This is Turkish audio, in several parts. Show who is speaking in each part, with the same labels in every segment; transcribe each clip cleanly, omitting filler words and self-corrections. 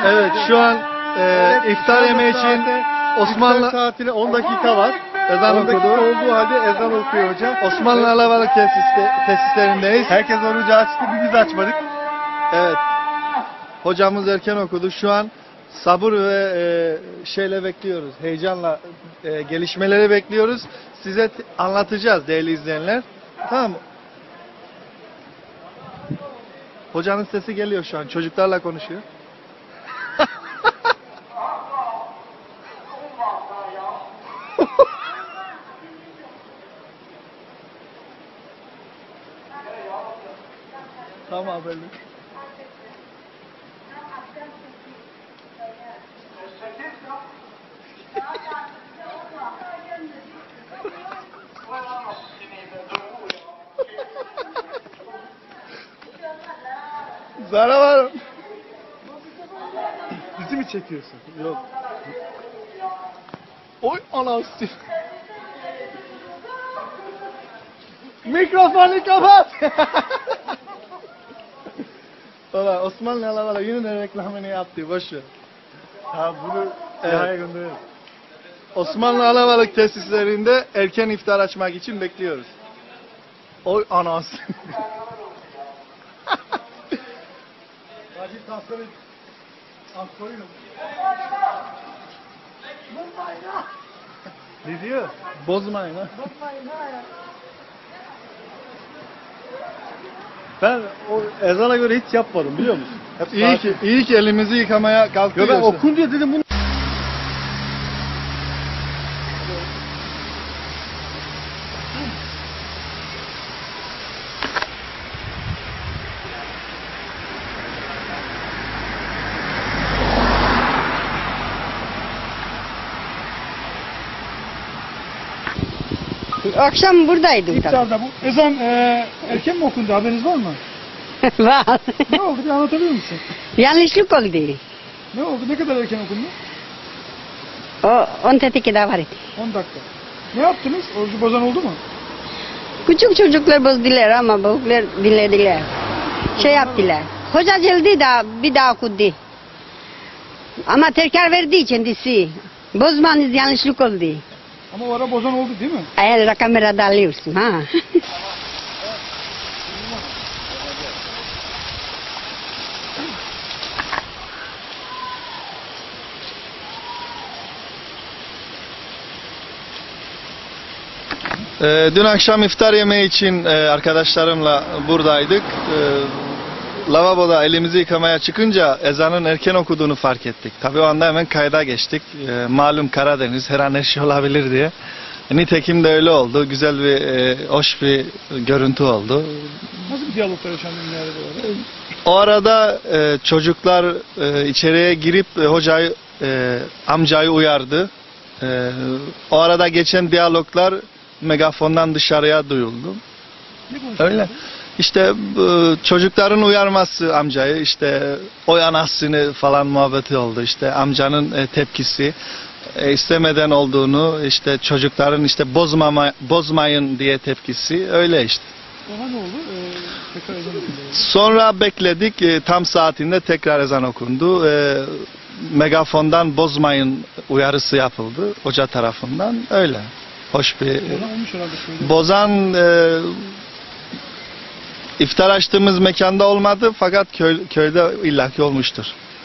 Speaker 1: Evet, şu an iftar yemeği için Osmanlı
Speaker 2: saatine 10 dakika var.
Speaker 1: ezan
Speaker 2: 10 dakika
Speaker 1: okudu.
Speaker 2: olduğu halde ezan okuyor hocam.
Speaker 1: Osmanlı Alabalık tesislerindeyiz.
Speaker 2: Herkes orucu açtı, biz açmadık.
Speaker 1: Evet. Hocamız erken okudu. Şu an sabır ve şeyle bekliyoruz. Heyecanla gelişmeleri bekliyoruz. Size anlatacağız değerli izleyenler. Tamam mı? Hocanın sesi geliyor şu an. Çocuklarla konuşuyor. Tamam böyle. Zara var.
Speaker 2: Bizi mi çekiyorsun?
Speaker 1: Yok. Oy anası. Mikrofonu kapat. Valla Osmanlı Alabalık yine de reklamını yaptı. Boş ver.
Speaker 2: Ha bunu
Speaker 1: Evet.
Speaker 2: Siha'ya gönderelim.
Speaker 1: Osmanlı Alabalık tesislerinde erken iftar açmak için bekliyoruz. Oy anası.
Speaker 2: Acil transfer et. Ansoruyla. Ne diyor?
Speaker 1: Bozmayın ha.
Speaker 2: Ben o ezana göre hiç yapmadım biliyor musun? Hep
Speaker 1: İyi ki elimizi yıkamaya
Speaker 2: Yo,
Speaker 1: kalkıyoruz.
Speaker 2: ben okun diye dedim bunu.
Speaker 3: Akşam buradaydım tabii.
Speaker 2: İftarda bu. Ezan erken mi okundu, haberiniz var mı?
Speaker 3: Var.
Speaker 2: Ne oldu, bir anlatabilir misin?
Speaker 3: Yanlışlık oldu.
Speaker 2: Ne oldu, ne kadar erken okundu?
Speaker 3: O 10 tetikide var idi.
Speaker 2: 10 dakika. Ne yaptınız? Orucu bozan oldu mu?
Speaker 3: Küçük çocuklar bozdular ama büyükler dinlediler. Şey yaptılar. Hoca geldi de bir daha okudu. Ama tekrar verdi kendisi. Bozmanız yanlışlık oldu.
Speaker 2: Ama o ara bozan oldu değil mi?
Speaker 3: Eğer kamerada alıyorsun ha.
Speaker 1: Dün akşam iftar yemeği için arkadaşlarımla buradaydık. Lavaboda elimizi yıkamaya çıkınca ezanın erken okuduğunu fark ettik. Tabii o anda hemen kayda geçtik. Malum Karadeniz, her an her şey olabilir diye. Nitekim de öyle oldu. Güzel bir, hoş bir görüntü oldu.
Speaker 2: Nasıl bir diyaloglar yaşandı dünyada böyle?
Speaker 1: O arada çocuklar içeriye girip hocayı, amcayı uyardı. O arada geçen diyaloglar megafondan dışarıya duyuldu.
Speaker 2: Ne konuşuyorsunuz?
Speaker 1: Öyle. İşte çocukların uyarması amcayı, işte oy anasını falan muhabbeti oldu. İşte amcanın tepkisi, istemeden olduğunu, işte çocukların işte bozmayın diye tepkisi, öyle işte.
Speaker 2: Sonra ne oldu? Tekrar ezan okundu.
Speaker 1: Sonra bekledik, tam saatinde tekrar ezan okundu. Megafondan bozmayın uyarısı yapıldı hoca tarafından, öyle. Hoş bir...
Speaker 2: Bozan olmuş herhalde şöyle.
Speaker 1: Bozan iftar açtığımız mekanda olmadı fakat köyde illaki olmuştur.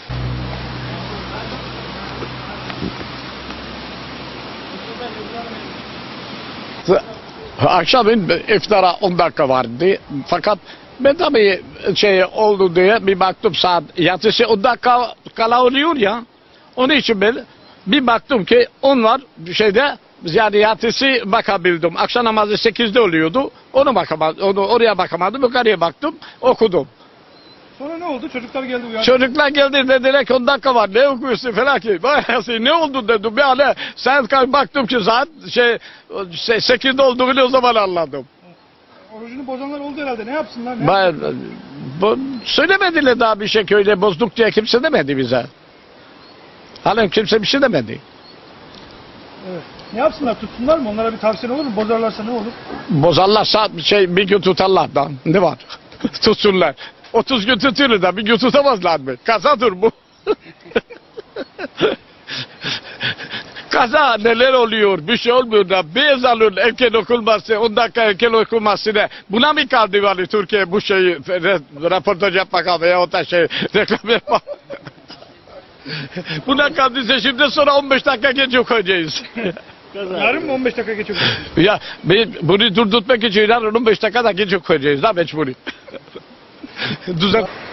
Speaker 4: Akşamın iftara 10 dakika vardı. Fakat ben tabii şey oldu diye bir baktım saat yatısı 10 dakika kala oluyor ya. Onun için ben bir baktım ki onlar şeyde yani yatısı bakabildim. Akşam namazı 8'de oluyordu. Onu bakamadım. Oraya bakamadım. Yukarıya baktım. Okudum.
Speaker 2: Sonra ne oldu? Çocuklar geldi uyandı.
Speaker 4: Çocuklar geldi dediler ki 10 dakika var. Ne okuyorsun falan ki. Bayağı ne oldu dedim. Yani sen baktım ki saat 8'de olduğunu o zaman anladım.
Speaker 2: Orucunu bozanlar oldu herhalde. Ne yapsınlar? Ne
Speaker 4: Ben,
Speaker 2: yapsınlar?
Speaker 4: söylemediler daha bir şey köyde bozduk diye kimse demedi bize. Halen kimse bir şey demedi.
Speaker 2: Evet. Ne yapsınlar? Tutsunlar mı? Onlara bir tavsiye olur mu? Bozarlarsa ne olur?
Speaker 4: Bozarlarsa bir gün tutarlar da. Ne var? Tutsunlar. 30 gün tutuyorlar da bir gün tutamazlar mı? Kasadır bu. Kaza neler oluyor, bir şey olmuyor da bir ezanın erken okunması, 10 dakika erken okunması ne? Buna mı kaldı yani Türkiye bu şeyi röportaj yapmak veya o da şey reklam yapmak? Buna kaldıysa şimdi sonra 15 dakika geç okuyacağız.
Speaker 2: Yarın mı 15 dakika geçiyor?
Speaker 4: Ya bunu durdurtmak için yarın 15 dakika da geç okuyacağız da mecburi. Düzen.